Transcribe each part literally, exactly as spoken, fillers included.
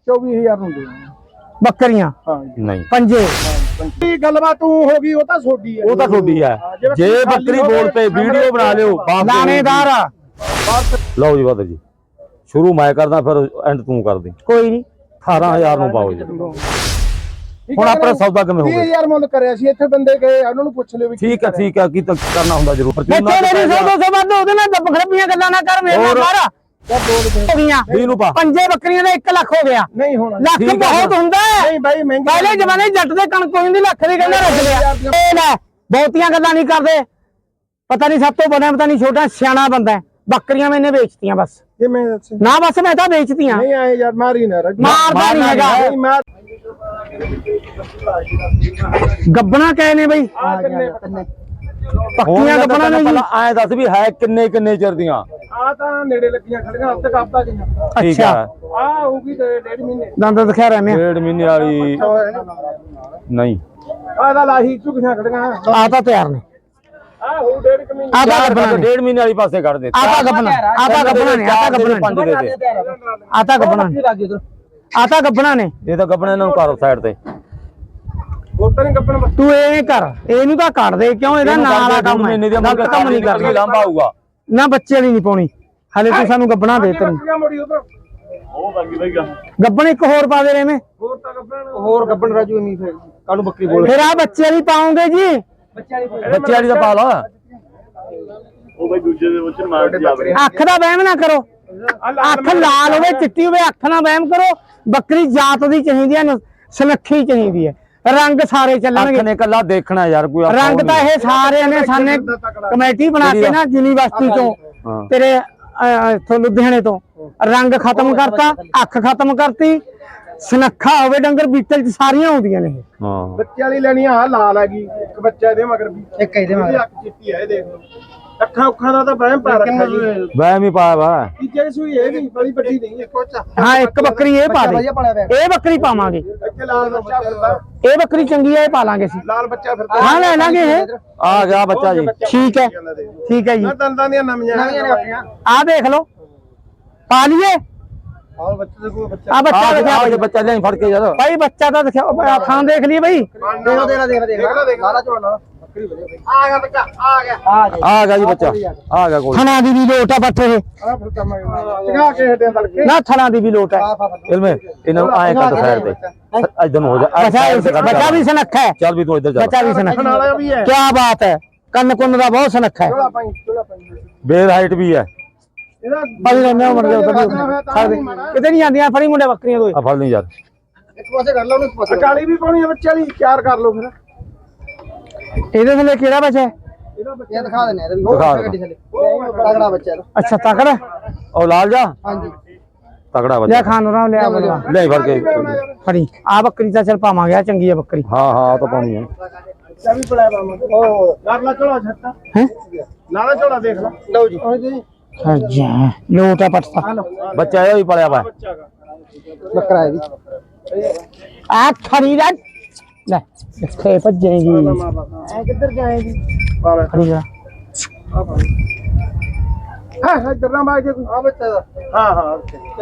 चौबीस हजार ਨੂੰ ਦੇ ਬੱਕਰੀਆਂ ਨਹੀਂ ਪੰਜੇ ਕੀ ਗੱਲਬਾਤ ਤੂੰ ਹੋ ਗਈ ਉਹ ਤਾਂ ਛੋਡੀ ਹੈ ਉਹ ਤਾਂ ਛੋਡੀ ਹੈ ਜੇ ਬੱਕਰੀ ਬੋਲ ਤੇ ਵੀਡੀਓ ਬਣਾ ਲਿਓ ਲਾਣੇਦਾਰ ਆ ਲਓ ਜੀ ਬਾਦਰ ਜੀ ਸ਼ੁਰੂ ਮੈਂ ਕਰਦਾ ਫਿਰ ਐਂਡ ਤੂੰ ਕਰ ਦੇ ਕੋਈ ਨਹੀਂ ਅਠਾਰਾਂ ਹਜ਼ਾਰ ਨੂੰ ਪਾਓ ਜੀ ਹੁਣ ਆਪਣਾ ਸੌਦਾ ਕਿਵੇਂ ਹੋ ਗਿਆ ਵੀਹ ਹਜ਼ਾਰ ਮੁੱਲ ਕਰਿਆ ਸੀ ਇੱਥੇ ਬੰਦੇ ਗਏ ਉਹਨਾਂ ਨੂੰ ਪੁੱਛ ਲਿਓ ਵੀ ਠੀਕ ਹੈ ਠੀਕ ਹੈ ਕੀ ਤਾਂ ਕਰਨਾ ਹੁੰਦਾ ਜ਼ਰੂਰ ਬੱਚੇ ਮੇਰੀ ਸੌ ਦੋ ਸੌ ਵੱਧ ਉਹਦੇ ਨਾਲ ਦੱਬ ਖਰਬੀਆਂ ਗੱਲਾਂ ਨਾ ਕਰ ਮੇਰੇ ਨਾਲ ਸਾਰਾ ਹੋ ਗਈਆਂ ਵੀਹ ਨੂੰ ਪਾ ਪੰਜੇ ਬੱਕਰੀਆਂ ਦਾ ਇੱਕ ਲੱਖ ਹੋ ਗਿਆ ਨਹੀਂ ਹੋਣਾ ਲੱਖ ਬਹੁਤ ਹੁੰਦਾ ਹੈ ਨਹੀਂ ਬਾਈ ਮਹਿੰਗੀ ਪਹਿਲੇ ਜ਼ਮਾਨੇ ਜੱਟ ਦੇ ਕਣਕ ਕੋਈ ਨਹੀਂ ਲੱਖ ਦੀ ਕਹਿੰਦਾ ਰੱਖ ਲਿਆ ਇਹ ਲੈ ਬਹੁਤੀਆਂ ਗੱਲਾਂ ਨਹੀਂ ਕਰਦੇ ਪਤਾ ਨਹੀਂ ਸਭ ਤੋਂ ਬੜਾ ਪਤਾ ਨਹੀਂ ਛੋਟਾ ਸਿਆਣਾ ਬੰਦਾ ਬੱਕਰੀਆਂ ਮੈਨੇ ਵੇਚਤੀਆਂ ਬਸ ਇਹ ਮੈਂ ਦੱਸ ਨਾ ਬਸ ਮੈਂ ਤਾਂ ਵੇਚਤੀਆਂ ਨਹੀਂ ਆਏ ਯਾਰ ਮਾਰੀ ਨਾ ਰੱਜ ਮਾਰਦਾ ਨਹੀਂ ਹੈਗਾ ਮਾਰ ਗੱਬਣਾ ਕਹੇ ਨੇ ਬਈ ਆ ਕਿੰਨੇ ਪੱਕੀਆਂ ਗੱਬਣਾ ਨੇ ਜੀ ਐ ਦੱਸ ਵੀ ਹੈ ਕਿੰਨੇ ਕਿੰਨੇ ਚਿਰ ਦੀਆਂ ਆ ਤਾਂ ਨੇੜੇ ਲੱਗੀਆਂ ਖੜੀਆਂ ਹਫਤੇ ਹਫਤਾ ਗਈਆਂ ਠੀਕ ਅੱਛਾ ਹੈ ਆ ਹੋਊਗੀ ਤੇ ਡੇਢ ਮਹੀਨੇ ਦੰਦ ਦਿਖਾ ਰਹੇ ਮੈਂ ਡੇਢ ਮਹੀਨੇ ਵਾਲੀ ਨਹੀਂ ਆ ਤਾਂ ਲਾਹੀ ਝੁਕੀਆਂ ਖੜੀਆਂ ਆ ਤਾਂ ਤਿਆਰ ਨੇ ਆ ਹੋ ਡੇਢ ਕੁ ਮਹੀਨੇ ਆ ਤਾਂ ਗੱਬਣਾ ਨੇ ਡੇਢ ਮਹੀਨੇ ਵਾਲੀ ਪਾਸੇ ਕੱਢ ਦੇ ਆ ਤਾਂ ਗੱਬਣਾ ਆ ਤਾਂ ਗੱਬਣਾ ਨੇ ਆ ਤਾਂ ਗੱਬਣਾ ਪੰਜ ਨੇ ਦੇ ਦੇ ਆ ਤਾਂ ਗੱਬਣਾ ਨੇ ਆ ਤਾਂ ਗੱਬਣਾ ਨੇ ਇਹ ਤਾਂ ਗੱਬਣੇ ਇਹਨਾਂ ਨੂੰ ਕਰੋ ਸਾਈਡ ਤੇ ਗੋਟਾ ਨਹੀਂ ਕੱਪਣ ਤੂੰ ਇਹ ਕਰ ਇਹਨੂੰ ਤਾਂ ਕੱਢ ਦੇ ਕਿਉਂ ਇਹਦਾ ਨਾਂ ਵਾਲਾ ਕੰਮ ਹੈ ਗਲਤ ਕੰਮ ਨਹੀਂ ਕਰਨਾ ਲੰਬਾ ਆਊਗਾ ਨਾ ਬੱਚੇ ਵਾਲੀ ਨਹੀਂ ਪਾਉਣੀ ਹਲੇ ਤੂੰ ਸਾਨੂੰ ਗੱਬਣਾ ਦੇ ਤੈਨੂੰ ਮੋੜੀ ਉਧਰ ਉਹ ਬਾਕੀ ਬਈ ਗਾ ਗੱਬਣ ਇੱਕ ਹੋਰ ਪਾ ਦੇ ਰੇਵੇਂ ਹੋਰ ਤਾਂ ਕੱਪਣ ਹੋਰ ਕੱਪਣ ਰਾਜੂ ਨਹੀਂ ਫਿਰ ਕੱਲ ਨੂੰ ਬੱਕਰੀ ਬੋਲ ਫਿਰ ਆ ਬੱਚੇ ਵਾਲੀ ਪਾਉਂਗੇ ਜੀ ਬੱਚੇ ਵਾਲੀ ਦਾ ਪਾ ਲਾ ਉਹ ਬਈ ਦੂਜੇ ਦੇ ਵਿੱਚ ਮਾਰ ਜਾਵੇ ਅੱਖ ਦਾ ਵਹਿਮ ਨਾ ਕਰੋ ਅੱਖ ਲਾਲ ਹੋਵੇ ਚਿੱਟੀ ਹੋਵੇ ਅੱਖ ਨਾ ਵਹਿਮ ਕਰੋ ਬੱਕਰੀ ਜਾਤ ਦੀ ਚਾਹੀਦੀ ਹੈ ਸੁਨੱਖੀ ਚਾਹੀਦੀ ਹੈ ਰੰਗ ਸਾਰੇ ਚੱਲਣਗੇ ਅੱਖ ਨੇ ਕੱਲਾ ਦੇਖਣਾ ਯਾਰ ਕੋਈ ਰੰਗ ਤਾਂ ਇਹ ਸਾਰਿਆਂ ਨੇ ਸਾਨੇ ਕਮੇਟੀ ਬਣਾ ਕੇ ਨਾ ਯੂਨੀਵਰਸਿਟੀ ਤੋਂ ਤੇਰੇ ਇਥੋਂ ਲੁਧਿਆਣੇ ਤੋਂ ਰੰਗ ਖਤਮ ਕਰਤਾ ਅੱਖ ਖਤਮ ਕਰਤੀ ਸੁਨੱਖਾ ਹੋਵੇ ਡੰਗਰ ਬੀਟਲ ਚ ਸਾਰੀਆਂ ਆਉਂਦੀਆਂ ਨੇ ਹਾਂ ਬੱਚੇ ਵਾਲੀ ਲੈਣੀ ਆ ਲਾਲ ਹੈਗੀ ਇੱਕ ਬੱਚਾ ਇਹਦੇ ਮਗਰ ਵੀ ਇੱਕ ਇਹਦੇ ਮਗਰ ਅੱਖ ਚਿੱਟੀ ਹੈ ਇਹ ਦੇਖ ਲਓ ਅੱਖਾਂ ਅੱਖਾਂ ਦਾ ਤਾਂ ਵਹਿਮ ਪਾ ਰੱਖਿਆ ਜੀ ਵਹਿਮ ਹੀ ਪਾਇਆ ਵਾ ਤੀਜੇ ਸੂਈ ਇਹ ਵੀ ਬੜੀ ਵੱਡੀ ਨਹੀਂ ਇੱਕੋ ਚ ਹਾਂ ਇੱਕ ਬੱਕਰੀ ਇਹ ਪਾ ਦੇ ਇਹ ਬੱਕਰੀ ਪਾਵਾਂਗੇ ਇੱਥੇ ਲਾਲ ਬੱਚਾ ਫਿਰਦਾ ਇਹ ਬੱਕਰੀ ਚੰਗੀ ਹੈ ਇਹ ਪਾ ਲਾਂਗੇ ਅਸੀਂ ਲਾਲ ਬੱਚਾ ਫਿਰਦਾ ਹਾਂ ਲੈ ਲਾਂਗੇ ਇਹ ਆ ਗਿਆ ਬੱਚਾ ਜੀ ਠੀਕ ਹੈ ਠੀਕ ਹੈ ਜੀ ਮੈਂ ਦੰਦਾਂ ਦੀਆਂ ਨਵੀਆਂ ਨਵੀਆਂ ਨੇ ਆਪਣੀਆਂ ਆ ਦੇਖ ਲਓ ਪਾ ਲਈਏ ਆਹ ਬੱਚੇ ਦੇ ਕੋਲ ਬੱਚਾ ਆ ਬੱਚਾ ਦਿਖਾ ਆ ਬੱਚਾ ਲੈ ਫੜ ਕੇ ਯਾਰ ਭਾਈ ਬੱਚਾ ਤਾਂ ਦਿਖਾ ਥਾਂ ਦੇਖ ਲਈਏ ਭਾਈ ਦੇਖੋ ਦੇਖ ਦੇਖ ਦੇਖ ਲਾਲਾ ਝੋਲਾ ਬੱਕਰੀ ਵਧੀਆ ਆ ਗਿਆ ਬੱਚਾ ਆ ਗਿਆ ਆ ਗਿਆ ਆ ਗਿਆ ਜੀ ਬੱਚਾ ਆ ਗਿਆ ਕੋਈ ਥਣਾ ਦੀ ਵੀ ਲੋਟ ਆ ਬੱਠੇ ਇਹ ਆ ਫਿਰ ਕੰਮ ਚਗਾ ਕੇ ਹਟਿਆ ਤੜਕੇ ਨਾ ਥਣਾ ਦੀ ਵੀ ਲੋਟ ਹੈ ਇਲਮੇ ਇਹਨਾਂ ਨੂੰ ਆਏ ਕੱਟ ਸਾਈਡ ਤੇ ਇਧਰ ਨੂੰ ਹੋ ਜਾ ਬੱਚਾ ਬੱਚਾ ਵੀ ਸੁਨੱਖਾ ਹੈ ਚੱਲ ਵੀ ਤੂੰ ਇੱਧਰ ਜਾ ਬੱਚਾ ਵੀ ਸੁਨੱਖਾ ਵਾਲਾ ਵੀ ਹੈ ਕੀ ਬਾਤ ਹੈ ਕੰਨ ਕੁੰਨ ਦਾ ਬਹੁਤ ਸੁਨੱਖਾ ਹੈ ਝੋਲਾ ਪਾਈ ਝੋਲਾ ਪਾਈ ਬੇਰ ਹਾਈਟ ਵੀ ਹੈ ਇਹਦਾ ਭਾਈ ਰਹਿੰਦੇ ਹੋ ਮਰ ਉਧਰ ਕਿਤੇ ਨਹੀਂ ਜਾਂਦੀਆਂ ਫੜੀ ਮੁੰਡੇ ਬੱਕਰੀਆਂ ਦੋਏ ਆ ਫੜ ਲਈ ਯਾਰ ਇੱਕ ਪਾਸੇ ਕਰ ਲਓ ਉਹਨੂੰ ਇੱਕ ਪਾਸੇ ਕਾਲੀ ਵੀ ਪਾਉਣੀ ਹੈ ਬੱਚੇ ਵਾਲੀ ਤਿਆਰ ਕਰ ਲਓ ਫਿਰ ਇਹਦੇ ਥੱਲੇ ਕਿਹੜਾ ਬੱਚਾ ਹੈ ਇਹਦਾ ਬੱਚਾ ਦਿਖਾ ਦਿੰਦੇ ਇਹਦਾ ਵੀ ਦਿਖਾ ਗੱਡੀ ਥੱਲੇ ਤਗੜਾ ਬੱਚਾ ਇਹਦਾ ਅੱਛਾ ਤਕੜਾ ਉਹ ਲਾਲ ਜਾ ਹਾਂਜੀ ਤਗੜਾ ਲਿਆ ਬੱਚਾ ਖਾਨ ਰਾਮ ਲਿਆ ਬਲਵਾ ਲੈ ਫੜ ਕੇ ਫੜੀ ਆ ਬੱਕਰੀ ਤਾਂ ਚਲ ਪਾਵਾਂਗੇ ਆ ਚੰਗੀ ਹੈ ਬੱਕਰੀ ਹਾਂ ਹਾਂ ਤਾਂ ਪਾਉਣੀ ਹੈ ਚਾਬੀ ਪੜਿਆ ਬਾਮਾ ਉਹ ਲਾਲਾ ਝੋਲਾ ਛੱਟਾ ਹੈ ਲਾਲਾ ਝੋਲਾ ਦੇਖ ਲੈ ਲਓ ਜੀ ਉਹ ਜੀ ਅੱਛਾ ਲੋਟ ਆ ਪਟਤਾ ਬੱਚਾ ਇਹ ਵੀ ਪਲਿਆ ਵਾ ਬੱਕਰਾ ਹੈ ਜੀ ਆ ਖੜੀ ਦਾ ਲੈ ਇੱਥੇ ਭੱਜੇਗੀ ਐ ਕਿੱਧਰ ਜਾਏਗੀ ਬਾਲਾ ਖੜੀ ਜਾ ਹਾਂ ਹਾਂ ਇੱਧਰ ਨਾ ਬਾਜ ਆ ਬੱਚਾ ਦਾ ਹਾਂ ਹਾਂ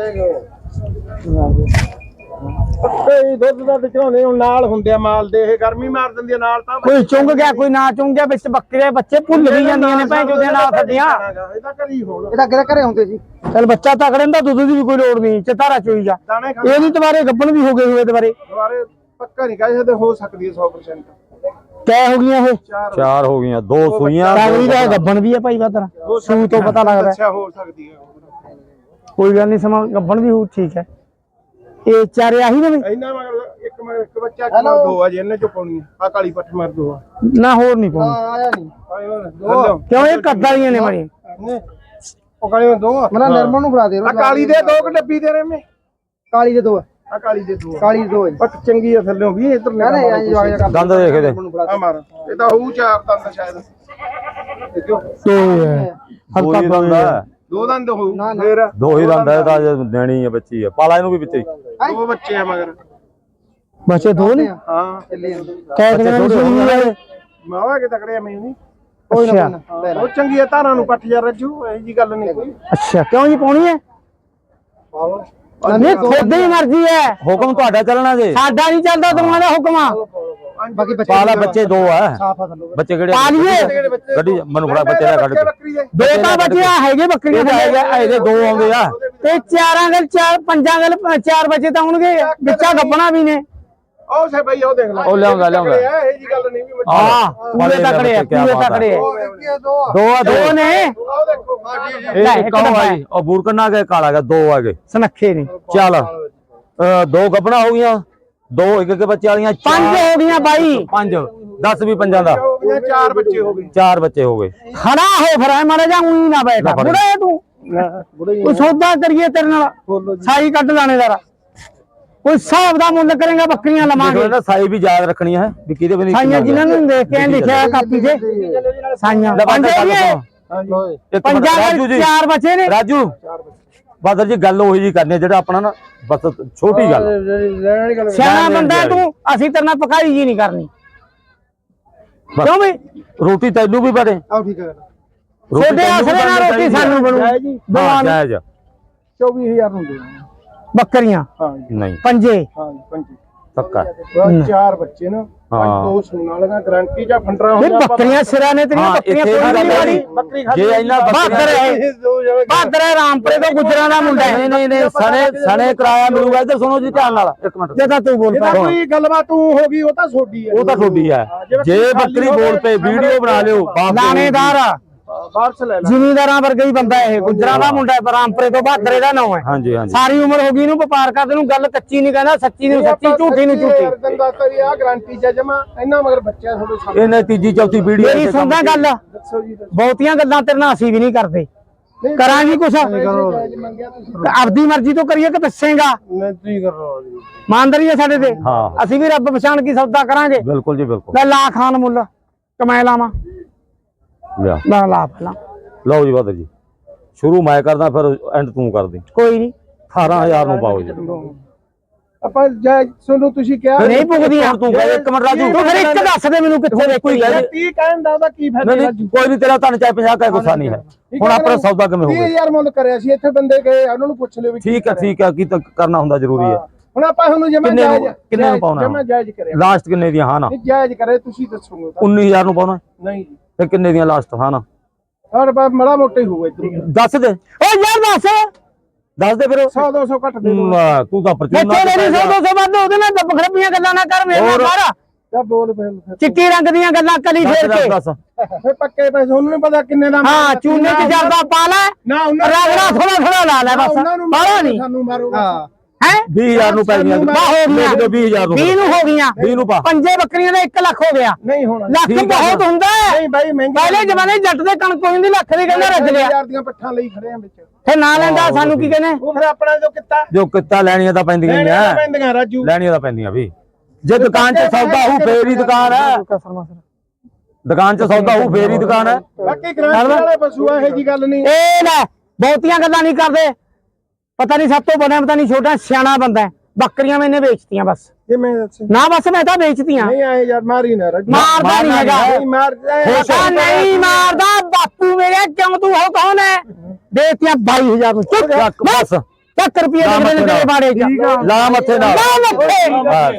ਕੋਈ ਦੁੱਧ ਦਾ ਚੜਾਉਂਦੇ ਹੁਣ ਨਾਲ ਹੁੰਦੇ ਆ ਮਾਲ ਦੇ ਇਹ ਗਰਮੀ ਮਾਰ ਦਿੰਦੀ ਆ ਨਾਲ ਤਾਂ ਕੋਈ ਚੁੰਗ ਗਿਆ ਕੋਈ ਨਾ ਚੁੰਗ ਗਿਆ ਵਿੱਚ ਬੱਕਰੇ ਬੱਚੇ ਭੁੱਲ ਵੀ ਜਾਂਦੀਆਂ ਨੇ ਭੈਣ ਚੋਦੇ ਨਾਲ ਸੱਦੀਆਂ ਇਹਦਾ ਘਰੀ ਹੋਣ ਇਹਦਾ ਕਿਹੜਾ ਘਰੇ ਹੁੰਦੇ ਸੀ ਚਲ ਬੱਚਾ ਤਕੜੇ ਦਾ ਦੁੱਧ ਦੀ ਵੀ ਕੋਈ ਲੋੜ ਨਹੀਂ ਚਤਾਰਾ ਚੋਈ ਜਾ ਦਾਣੇ ਖਾ ਇਹ ਨਹੀਂ ਤੁਹਾਰੇ ਗੱਬਣ ਵੀ ਹੋ ਗਏ ਹੋਏ ਦੁਬਾਰੇ ਦੁਬਾਰੇ ਪੱਕਾ ਨਹੀਂ ਕਹਿ ਸਕਦੇ ਹੋ ਸਕਦੀ ਹੈ ਸੌ ਪ੍ਰਸੈਂਟ ਕਿਆ ਹੋ ਗਈਆਂ ਇਹ ਚਾਰ ਹੋ ਗਈਆਂ ਦੋ ਸੂਈਆਂ ਕਾਗਰੀ ਦਾ ਗੱਬਣ ਵੀ ਹੈ ਭਾਈ ਬਾਤਰਾ ਸੂ ਤੋਂ ਪਤਾ ਲੱਗਦਾ ਅੱਛਾ ਹੋ ਸਕਦੀ ਹੈ ਕੋਈ ਗੱਲ ਨਹੀਂ ਸਮਾਂ ਗੱਬਣ ਵੀ ਹੋ ਠੀਕ ਹੈ ਇਹ ਚਾਰੇ ਆਹੀ ਨੇ ਇਹਨਾਂ ਮਗਰ ਇੱਕ ਮਗਰ ਇੱਕ ਬੱਚਾ ਕਿਲੋ ਦੋ ਆ ਜੀ ਇਹਨੇ ਚੋਂ ਪਾਉਣੀ ਆ ਕਾਲੀ ਪੱਠ ਮਾਰ ਦੋ ਆ ਨਾ ਹੋਰ ਨਹੀਂ ਪਾਉਣੀ ਆਇਆ ਨਹੀਂ ਕਿਉਂ ਇਹ ਕੱਦਾਲੀਆਂ ਨੇ ਮਾਰੀ ਉਹ ਕਾਲੀ ਦੋ ਮਨਾ ਨਰਮਲ ਨੂੰ ਫੜਾ ਦੇ ਆ ਕਾਲੀ ਦੇ ਦੋ ਕਿ ਡੱਬੀ ਦੇ ਰਹੇ ਮੇ ਕਾਲੀ ਦੇ ਦੋ ਆ ਕਾਲੀ ਦੇ ਦੋ ਕਾਲੀ ਦੋ ਪੱਠ ਚੰਗੀ ਆ ਥੱਲੇ ਵੀ ਇਧਰ ਲੈ ਦੰਦ ਦੇਖ ਇਹਦੇ ਆ ਮਾਰ ਇਹ ਤਾਂ ਹੋਊ ਚਾਰ ਦੰਦ ਸ਼ਾਇਦ ਦੇਖੋ ਤੇ ਦੋ ਹੀ ਦੰਦ ਹੈ ਦੋ ਦੰਦ ਹੋਊ ਫੇਰ ਦੋ ਹੀ ਦੰਦ ਹੈ ਤਾਂ ਦੇਣੀ ਹੈ ਬੱਚੀ ਹੈ ਪਾਲਾ ਇਹਨੂੰ ਵੀ ਵਿੱਚ ਹੀ ਦੋ ਬੱਚੇ ਆ ਮਗਰ ਬੱਚੇ ਦੋ ਨੇ ਹਾਂ ਕਹਿ ਕੇ ਨਾ ਸੁਣੀ ਜਾਏ ਮਾਵਾ ਕੇ ਤਕੜੇ ਆ ਮੈਨੂੰ ਅੱਛਾ ਉਹ ਚੰਗੀ ਆ ਧਾਰਾਂ ਨੂੰ ਪੱਠ ਜਾ ਰੱਜੂ ਇਹ ਜੀ ਗੱਲ ਨਹੀਂ ਕੋਈ ਅੱਛਾ ਕਿਉਂ ਜੀ ਪਾਉਣੀ ਹੈ ਨਹੀਂ ਤੁਹਾਡੀ ਮਰਜ਼ੀ ਹੈ, ਹੁਕਮ ਤੁਹਾਡਾ ਚੱਲਣਾ ਜੇ, ਸਾਡਾ ਨਹੀਂ ਚੱਲਦਾ ਦੋਵਾਂ ਦਾ ਹੁਕਮ ਆ। ਬਾਕੀ ਬੱਚੇ ਪਾਲਾ ਬੱਚੇ ਦੋ ਆ, ਬੱਚੇ ਕਿਹੜੇ ਪਾ ਲਈਏ ਗੱਡੀ ਮੈਨੂੰ ਫੜਾ ਬੱਚੇ ਦਾ ਕੱਢ ਕੇ। ਦੋ ਤਾਂ ਬੱਚਿਆ ਹੈਗੇ ਬੱਕਰੀਆਂ ਥੱਲੇ, ਇਹਦੇ ਦੋ ਆਉਂਦੇ ਆ ਤੇ ਚਾਰਾਂ ਗੱਲ ਚਾਰ ਪੰਜਾਂ ਗੱਲ ਚਾਰ ਬੱਚੇ ਤਾਂ ਹੋਣਗੇ, ਵਿੱਚਾ ਗੱਬਣਾ ਵੀ ਨੇ। ਉਹ ਸੇ ਬਈ ਉਹ ਦੇਖ ਲੈ, ਉਹ ਲਿਆਉਂਦਾ ਲਿਆਉਂਦਾ ਇਹ ਜੀ ਗੱਲ ਨਹੀਂ ਵੀ ਹਾਂ ਪੂਰੇ ਤਕੜੇ ਆ, ਪੂਰੇ ਤਕੜੇ ਆ। ਦੋ ਆ ਦੋ ਦੋ ਨੇ ਉਹ ਦੇਖੋ ਇਹ ਇੱਕ ਉਹ ਆਈ, ਉਹ ਬੂਰਕਨਾ ਗਏ ਕਾਲਾ ਗਿਆ, ਦੋ ਆ ਗਏ ਸੁਨੱਖੇ ਨੇ। ਚੱਲ ਅਹ ਦੋ ਗੱਬਣਾ ਹੋ ਗਈਆਂ, ਦੋ ਇੱਕ ਇੱਕ ਬੱਚੇ ਵਾਲੀਆਂ, ਪੰਜ ਹੋ ਗਈਆਂ ਬਾਈ, ਪੰਜ ਦਸ ਵੀ ਪੰਜਾਂ ਦਾ, ਹੋ ਗਈਆਂ ਚਾਰ ਬੱਚੇ ਹੋ ਗਏ। ਚਾਰ ਬੱਚੇ ਹੋ ਗਏ। ਖੜਾ ਹੋ ਫਿਰ ਮਾੜਾ ਜਾਂ ਉਹੀ ਨਾ ਬੈਠਾ ਬੁੜੇ ਤੂੰ, ਕੋਈ ਸੌਦਾ ਕਰੀਏ ਤੇਰੇ ਨਾਲ, ਸਾਈ ਕੱਢ ਲਾਣੇਦਾਰ, ਕੋਈ ਹਿਸਾਬ ਦਾ ਮੁੱਲ ਕਰੇਗਾ, ਬੱਕਰੀਆਂ ਲਵਾਂਗੇ। ਨਾ ਸਾਈ ਵੀ ਯਾਦ ਰੱਖਣੀ ਹੈ ਵੀ ਕਿਹਦੇ ਬਣੀ ਸਾਈਆਂ ਜਿਨ੍ਹਾਂ ਨੂੰ ਦੇਖ ਕੇ ਲਿਖਿਆ ਕਾਪੀ ਤੇ ਸਾਈਆਂ ਪੰਜ ਪੰਜਾਂ ਰਾਜੂ ਜੀ, ਚਾਰ ਬੱਚੇ ਨੇ। ਰਾਜੂ ਬਾਦਰ ਜੀ ਗੱਲ ਉਹੀ ਜੀ ਕਰਨੀ ਜਿਹੜਾ ਆਪਣਾ ਨਾ ਬਸ ਛੋਟੀ ਗੱਲ, ਸਿਆਣਾ ਬੰਦਾ ਤੂੰ, ਅਸੀਂ ਤੇਰੇ ਨਾਲ ਪਕਾਈ ਜੀ ਨਹੀਂ ਕਰਨੀ, ਕਿਉਂ ਬਈ ਰੋਟੀ ਤੈਨੂੰ ਵੀ ਬਣੇ, ਆਹ ਠੀਕ ਹੈ, ਛੋਟੇ ਆਸਰੇ ਨਾਲ ਰੋਟੀ ਸਾਨੂੰ ਬਣੂ। ਹਾਂ ਜਾਇਜ਼ ਚੌਵੀ ਹਜ਼ਾਰ ਨੂੰ ਦੇ ਬੱਕਰੀਆਂ ਹਾਂ ਨਹੀਂ ਪੰਜੇ, ਹਾਂ ਪੰਜੀ ਪੱਕਾ ਚਾਰ ਬੱਚੇ ਨਾ, ਹਾਂ। ਦੋ ਸੂਣ ਵਾਲੀਆਂ ਗਾਰੰਟੀ ਜਾਂ ਫੰਡਰਾ ਇਹ ਬੱਕਰੀਆਂ ਸਿਰਾਂ ਨੇ ਤੇਰੀਆਂ ਹਾਂ, ਬੱਕਰੀਆਂ ਇੱਥੇ ਕੋਈ ਵੀ ਨਹੀਂ ਵਾਲੀ। ਬੱਕਰੀ ਜੇ ਇਹਨਾਂ ਬਹਾਦਰ ਹੈ, ਬਹਾਦਰ ਹੈ, ਰਾਮਪੁਰੇ ਤੋਂ ਗੁਜਰਾਂ ਦਾ ਮੁੰਡਾ ਹੈ। ਨਹੀਂ ਨਹੀਂ ਨਹੀਂ ਸਣੇ ਸਣੇ ਕਿਰਾਇਆ ਮਿਲੂਗਾ, ਇੱਧਰ ਸੁਣੋ ਜੀ ਧਿਆਨ ਨਾਲ ਇੱਕ ਮਿੰਟ, ਜੇ ਤਾਂ ਤੂੰ ਬੋਲ ਪਾ ਕੋਈ ਗੱਲਬਾਤ ਤੂੰ ਹੋ ਗਈ ਉਹ ਤਾਂ ਛੋਡੀ ਹੈ, ਉਹ ਤਾਂ ਤੁਹਾਡੀ ਹੈ, ਜੇ ਬੱਕਰੀ ਬੋਲ ਪਏ ਵੀਡੀਓ ਬਣਾ ਲਿਓ, ਬਾਪ ਲਾਣੇਦਾਰ ਆ, ਵਾਪਸ ਲੈ ਲੈ। ਜ਼ਿਮੀਂਦਾਰਾਂ ਵਰਗਾ ਹੀ ਬੰਦਾ ਇਹ, ਗੁਜਰਾਂ ਦਾ ਮੁੰਡਾ ਹੈ, ਰਾਮਪੁਰੇ ਤੋਂ ਬਹਾਦਰ ਇਹਦਾ ਨਾਮ ਹੈ। ਹਾਂਜੀ ਹਾਂਜੀ ਸਾਰੀ ਉਮਰ ਹੋ ਗਈ ਇਹਨੂੰ ਵਪਾਰ ਕਰਦੇ ਨੂੰ, ਗੱਲ ਕੱਚੀ ਨਹੀਂ ਕਹਿੰਦਾ, ਸੱਚੀ ਨੂੰ ਸੱਚੀ, ਝੂਠੀ ਨੂੰ ਝੂਠੀ। ਆ ਗਾਰੰਟੀ ਚ ਜਮਾ ਇਹਨਾਂ ਮਗਰ ਬੱਚਿਆਂ ਤੁਹਾਡੇ ਸਾਹਮਣੇ। ਇਹਨੇ ਤੀਜੀ ਚੌਥੀ ਵੀਡੀਓ ਮੇਰੀ ਸੁਣਦਾ ਗੱਲ, ਦੱਸੋ ਜੀ ਦੱਸੋ। ਬਹੁਤੀਆਂ ਗੱਲਾਂ ਤੇਰੇ ਨਾਲ ਅਸੀਂ ਵੀ ਨਹੀਂ ਕਰਦੇ, ਕਰਾਂਗੇ ਕੁਛ ਮੰਗਿਆ ਤੁਸੀਂ ਆਪਦੀ ਮਰਜ਼ੀ ਤੋਂ ਕਰੀਏ ਕਿ ਦੱਸੇਗਾ, ਮੈਂ ਤੁਸੀਂ ਕਰ ਰਹਾ ਜੀ, ਇਮਾਨਦਾਰੀ ਹੈ ਸਾਡੇ ਤੇ। ਹਾਂ ਅਸੀਂ ਵੀ ਰੱਬ ਪਛਾਣ ਕੀ ਸੌਦਾ ਕਰਾਂਗੇ। ਬਿਲਕੁਲ ਜੀ ਬਿਲਕੁਲ। ਲੈ ਲਾ ਖਾਨ ਮੁੱਲ ਕਮਾਏ ਲਾਵਾਂ, ਲਿਆ ਲਾ ਲਾ ਪਹਿਲਾਂ। ਲਓ ਜੀ ਬਾਦਰ ਜੀ, ਸ਼ੁਰੂ ਮੈਂ ਕਰਦਾ ਫਿਰ ਐਂਡ ਤੂੰ ਕਰਦੀ। ਕੋਈ ਨਹੀਂ ਅਠਾਰਾਂ ਹਜ਼ਾਰ ਨੂੰ ਪਾਓ ਜੀ। ਆਪਾਂ ਜੈ ਸੁਣੋ ਤੁਸੀਂ ਕਿਹਾ ਨਹੀਂ ਪੁੱਗਦੀਆਂ ਤੂੰ ਕਹਿ ਇੱਕ ਮਿੰਟ ਰਾਜੂ, ਤੂੰ ਫਿਰ ਇੱਕ ਦੱਸ ਦੇ ਮੈਨੂੰ ਕਿੱਥੇ ਦੇਖੀ ਹੈ। ਤੀਹ ਕਹਿਣ ਦਾ ਉਹਦਾ ਕੀ ਫਾਇਦਾ ਨਹੀਂ ਨਹੀਂ ਕੋਈ ਨਹੀਂ, ਤੇਰਾ ਤੁਹਾਨੂੰ ਚਾਹੇ ਪੰਜਾਹ ਕਾ ਗੁੱਸਾ ਨਹੀਂ ਹੈ। ਹੁਣ ਆਪਣਾ ਸੌਦਾ ਕਿਵੇਂ ਹੋ ਤੀਹ ਗਿਆ? ਹਜ਼ਾਰ ਮੁੱਲ ਕਰਿਆ ਸੀ, ਇੱਥੇ ਬੰਦੇ ਗਏ ਉਹਨਾਂ ਨੂੰ ਪੁੱਛ ਲਿਓ ਵੀ ਠੀਕ ਹੈ ਠੀਕ ਹੈ, ਕੀ ਤਾਂ ਕਰਨਾ ਹੁੰਦਾ ਜ਼ਰੂਰੀ ਹੈ। ਹੁਣ ਆਪਾਂ ਹੁਣ ਜਮਾ ਕਿੰਨੇ ਨੂੰ- ਜਾਇਜ਼ ਕਿੰਨੇ ਨੂੰ ਪਾਉਣਾ? ਜਮਾ ਜਾਇਜ਼ ਕਰਿਆ, ਲਾਸਟ ਕਿੰਨੇ ਦੀਆਂ? ਹਾਂ ਨਾ ਨਹੀਂ ਜਾਇਜ਼ ਕਰੇ ਤੁਸੀਂ ਦੱਸੋਗੇ ਤਾਂ। ਉੱਨੀ ਹਜ਼ਾਰ ਨੂੰ ਪਾਉਣਾ ਨਹੀਂ ਜੀ ਤੇ ਕਿੰਨੇ ਦੀਆਂ ਲਾਸਟ? ਹਾਂ ਨਾ ਹਰ ਬਾਰ ਮੜਾ ਮੋਟਾ ਹੀ ਹੋਊਗਾ ਇਧਰ, ਦੱਸ ਦੇ, ਓ ਯਾਰ ਦੱਸ, ਦੱਸ ਦੇ ਫਿਰ। ਸੌ ਦੋ ਸੌ ਘੱਟ ਦੇ ਦੋ। ਮ, ਤੂੰ ਤਾਂ ਪਰਚੂਨਾ ਇੱਥੇ ਮੇਰੀ ਸੌ ਦੋ ਸੌ ਵੱਧ, ਉਹਦੇ ਨਾਲ ਦੱਬ ਖੜਪੀਆਂ ਗੱਲਾਂ ਨਾ ਕਰ ਮੇਰੇ ਨਾਲ ਹੋਰ। ਕਰ। ਜਾ ਬੋਲ ਫਿਰ ਫਿਰ। ਚਿੱਟੀ ਰੰਗ ਦੀਆਂ ਗੱਲਾਂ ਕਲੀ ਫੇਰ ਕੇ। ਦੱਸ ਫਿਰ ਪੱਕੇ ਪੈਸੇ ਉਹਨੂੰ ਨੀ ਪਤਾ ਕਿੰਨੇ ਦਾ ਹਾਂ ਚੂਨੇ ਚ ਜਰਦਾ ਪਾ ਲੈ, ਨਾ ਉਹਨਾਂ ਰਗੜਾ ਥੋੜਾ ਥੋੜਾ ਲਾ ਲੈ ਬਸ, ਉਹਨਾਂ ਨੂੰ ਬਾਹਲਾ ਨਹੀਂ ਸਾਨੂੰ ਮਾਰੋ ਹਾਂ ਹੈ। ਵੀਹ ਹਜ਼ਾਰ ਨੂੰ ਪੈ ਗਈਆਂ। ਬਾ ਹੋ ਗਈਆਂ, ਲਿਖ ਦਿਓ ਵੀਹ ਹਜ਼ਾਰ ਨੂੰ। ਵੀਹ ਨੂੰ ਹੋ ਗਈਆਂ, ਵੀਹ ਨੂੰ ਪਾ। ਪੰਜੇ ਬੱਕਰੀਆਂ ਦਾ ਇੱਕ ਲੱਖ ਹੋ ਗਿਆ। ਨਹੀਂ ਹੋਣਾ ਲੱਖ ਠੀਕ ਆ ਬਹੁਤ ਹੁੰਦਾ ਹੈ। ਨਹੀਂ ਬਾਈ ਮਹਿੰਗੀ ਪਹਿਲੇ ਜਮਾਨੇ ਜੱਟ ਦੇ ਕਣਕ ਹੋਈ ਹੁੰਦੀ, ਲੱਖ ਦੀ ਕਹਿੰਦਾ ਰੱਜ ਲਿਆ, ਹਜ਼ਾਰ ਦੀਆਂ ਪੱਠਾਂ ਲਈ ਖੜੇ ਆ ਵਿੱਚ, ਫਿਰ ਨਾ ਲੈਂਦਾ ਸਾਨੂੰ ਕੀ ਕਹਿੰਦੇ। ਉਹ ਫਿਰ ਆਪਣਾ ਜੋ ਕਿੱਤਾ ਜੋ ਕਿੱਤਾ ਲੈਣੀਆਂ ਤਾਂ ਪੈਂਦੀਆਂ ਹੀ ਲੈਣੀਆਂ ਆ, ਪੈਂਦੀਆਂ ਰਾਜੂ। ਲੈਣੀਆਂ ਤਾਂ ਪੈਂਦੀਆਂ ਵੀ। ਜੇ ਦੁਕਾਨ 'ਚ ਸੌਦਾ ਹੋਊ ਫੇਰ ਹੀ ਦੁਕਾਨ ਹੈ, ਦੁਕਾਨ 'ਚ ਸੌਦਾ ਹੋਊ ਫੇਰ ਹੀ ਦੁਕਾਨ ਹੈ। ਬਾਕੀ ਗ੍ਰਾਂਟ ਵਾਲੇ ਪਸ਼ੂ ਆ, ਇਹ ਜੀ ਗੱਲ ਨਹੀਂ। ਇਹ ਲੈ ਬਹੁਤੀਆਂ ਗੱਲਾਂ ਨਹੀਂ ਕਰਦੇ, ਪਤਾ ਨਹੀਂ ਸਭ ਤੋਂ ਬਣਿਆ, ਪਤਾ ਨਹੀਂ ਛੋਟਾ ਸਿਆਣਾ ਬੰਦਾ ਹੈ। ਬੱਕਰੀਆਂ ਮੈਨੇ ਵੇਚਤੀਆਂ ਬਸ, ਇਹ ਮੈਂ ਦੱਸ ਨਾ ਬਸ ਮੈਂ ਤਾਂ ਵੇਚਤੀਆਂ। ਨਹੀਂ ਆਏ ਯਾਰ ਮਾਰੀ ਨਾ ਰਾਜੂ, ਮਾਰਦਾ ਨਹੀਂ ਹੈਗਾ, ਨਹੀਂ ਮਾਰ ਪਤਾ ਨਹੀਂ ਮਾਰਦਾ ਬਾਪੂ ਮੇਰੇ, ਕਿਉਂ ਤੂੰ ਹੋ ਕੌਣ ਹੈ? ਦੇਤੀਆਂ ਬਾਈ ਹਜ਼ਾਰ ਨੂੰ, ਚੁੱਪ ਚੱਕ ਬਸ, ਚੱਕ ਰੁਪਏ ਦੇ ਨੇ ਤੇਰੇ ਬਾੜੇ ਚ, ਲਾ ਮੱਥੇ ਨਾਲ। ਲਾ ਮੱਥੇ।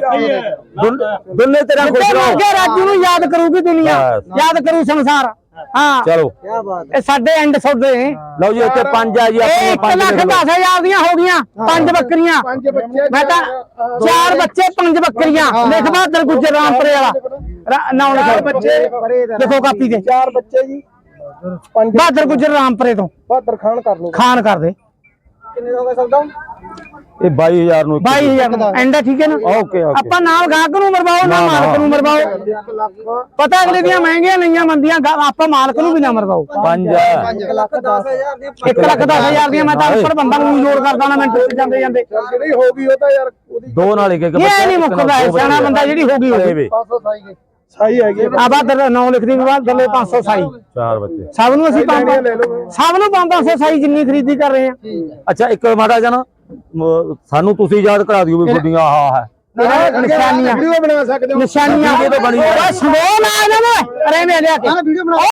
ਦੁਨ- ਦੁੰਨੇ ਤੇਰਾ ਖੁਸ਼ ਤੇ ਰਹੋ। ਅੱਗੇ ਰਾਜੂ ਨੂੰ ਯਾਦ ਕਰੂਗੀ ਦੁਨੀਆ, ਬਸ। ਯਾਦ ਕਰੂ ਸੰਸਾਰ। ਹਾਂ ਚਲੋ ਇਹ ਸਾਡੇ ਐਂਡ ਸੌਦੇ ਨੇ। ਲਓ ਜੀ ਇੱਥੇ ਪੰਜ ਆ ਜੀ ਇਹ ਆਪਣੇ ਇੱਕ ਪੰਜ ਲੱਖ ਲਿਖ ਲਓ। ਦਸ ਹਜ਼ਾਰ ਦੀਆਂ ਹੋ ਗਈਆਂ, ਪੰਜ ਬੱਕਰੀਆਂ। ਪੰਜ ਬੱਚੇ ਮੈਂ ਤਾਂ ਚਾਰ ਬੱਚੇ ਪੰਜ ਬੱਕਰੀਆਂ, ਲਿਖ ਬਹਾਦਰ ਗੁੱਜਰ ਰਾਮਪੁਰੇ ਵਾਲਾ ਨਾਮ ਲਿਖੋ ਬੱਚੇ ਦੇਖੋ ਕਾਪੀ ਤੇ, ਚਾਰ ਬੱਚੇ ਜੀ, ਪੰਜ ਬਹਾਦਰ ਗੁੱਜਰ ਰਾਮਪੁਰੇ ਤੋਂ ਬਹਾਦਰ ਖਾਨ ਕਰ ਲਓ। ਖਾਨ ਕਰ ਦੇ। ਕਿੰਨੇ ਹੋ ਗਏ ਸੌਦਾ? ਇਹ ਬਾਈ ਹਜ਼ਾਰ ਨੂੰ ਇੱਕ। ਬਾਈ ਹਜ਼ਾਰ ਐਂਡ ਠੀਕ ਹੈ ਨਾ। Okay okay. ਆਪਾਂ ਨਾਲ ਗਾਹਕ ਨੂੰ ਮਰਵਾਓ ਨਾ ਮਾਲਕ ਨੂੰ ਮਰਵਾਓ, ਇੱਕ ਲੱਖ ਪਤਾ ਅਗਲੇ ਦੀਆਂ ਮਹਿੰਗੀਆਂ ਲਈਆਂ ਮੰਦੀਆਂ, ਆਪਾਂ ਮਾਲਕ ਨੂੰ ਵੀ ਨਾ ਮਰਵਾਓ। ਪੰਜ ਇੱਕ ਲੱਖ ਦਸ ਹਜ਼ਾਰ ਦੀਆਂ ਇੱਕ ਲੱਖ ਦਸ ਹਜ਼ਾਰ ਦੀਆਂ ਮੈਂ ਤਾਂ ਉੱਪਰ ਬੰਦਾ ਨੂੰ ਜੋੜ ਕਰਦਾ ਨਾ ਮਿੰਟ ਚ ਜਾਂਦੇ ਜਾਂਦੇ। ਜਿਹੜੀ ਹੋ ਗਈ ਉਹ ਤਾਂ ਯਾਰ ਉਹਦੀ ਦੋ ਨਾਲ ਇੱਕ ਇੱਕ ਇਹ ਨਹੀਂ ਮੁੱਕਦਾ ਹੈ, ਸਿਆਣਾ ਬੰਦਾ ਜਿਹੜੀ ਹੋ ਗਈ ਹੋ ਗਈ। ਪੰਜ ਸੌ ਸਾਈ ਗਈ ਸਾਈ ਹੈਗੀ ਆ ਬਹਾਦਰ ਨਾਮ ਲਿਖਦੀ ਵੀ ਬਾਅਦ ਥੱਲੇ ਪੰਜ ਸੌ ਸਾਈ, ਚਾਰ ਬੱਚੇ। ਸਭ ਨੂੰ ਅਸੀਂ ਪੰਜ ਲੈ ਲਓ। ਸਭ ਨੂੰ ਪੰਜ ਪੰਜ ਸੌ ਸਾਈ ਜਿੰਨੀ ਖਰੀਦੀ ਕਰ ਰਹੇ ਆ। ਅੱਛਾ ਇੱਕ ਮਾੜਾ ਜਿਹਾ ਨਾ ਮ- ਸਾਨੂੰ ਤੁਸੀਂ ਯਾਦ ਕਰਾ ਦਿਓ ਵੀ ਗੁੱਡੀਆਂ ਆਹ ਹੈ ਨਿਸ਼ਾਨੀਆਂ ਵੀਡੀਓ ਬਣਾ ਸਕਦੇ ਹੋ। ਨਿਸ਼ਾਨੀਆਂ ਵੀਡੀਓ ਤਾਂ ਬਣੀ ਹੈ। ਓਏ ਸਮੋਲ ਆ ਇਹਨਾਂ ਨੇ, ਅਰੇ ਮੈਂ ਲਿਆ ਕੇ